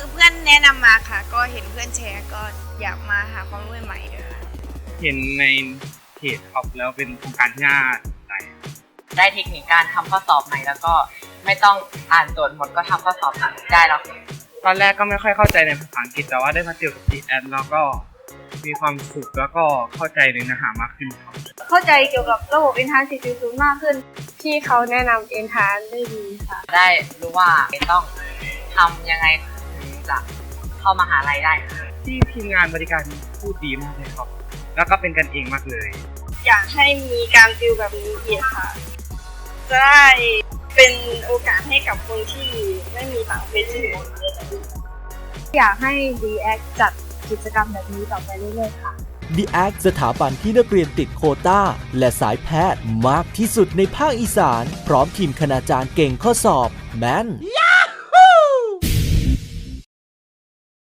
เพื่อนแนะนำมาค่ะ ก็เห็นเพื่อนแชร์ก็อยากมาหาความรู้ใหม่ๆด้วยค่ะเห็นในเพจครับแล้วเป็นโครงการที่น่าสนใจได้เทคนิคการทำข้อสอบใหม่แล้วก็ไม่ต้องอ่านโจทย์หมดก็ทำข้อสอบได้แล้วตอนแรกก็ไม่ค่อยเข้าใจในภาษาอังกฤษแต่ว่าได้มาเจอกับ GS แล้วก็มีความสุขแล้วก็เข้าใจในเนื้อหามากขึ้นครับเข้าใจเกี่ยวกับระบบ Entrance 4.0 มากขึ้นที่เขาแนะนำ Entrance ได้ดีค่ะได้รู้ว่าต้องทำยังไงถึงจะเข้ามหาลัยได้ที่ทีมงานบริการพูดดีมากเลยครับแล้วก็เป็นกันเองมากเลยอยากให้มีการติวแบบนี้อีกค่ะจะได้เป็นโอกาสให้กับคนที่ไม่มีต่างเพศที่อยู่อยากให้ DX จัดกิจกรรมแบบนี้ต่อไปเรื่อยๆค่ะ DX สถาบันที่นักเรียนติดโควต้าและสายแพทย์มากที่สุดในภาคอีสานพร้อมทีมคณาจารย์เก่งข้อสอบแม่น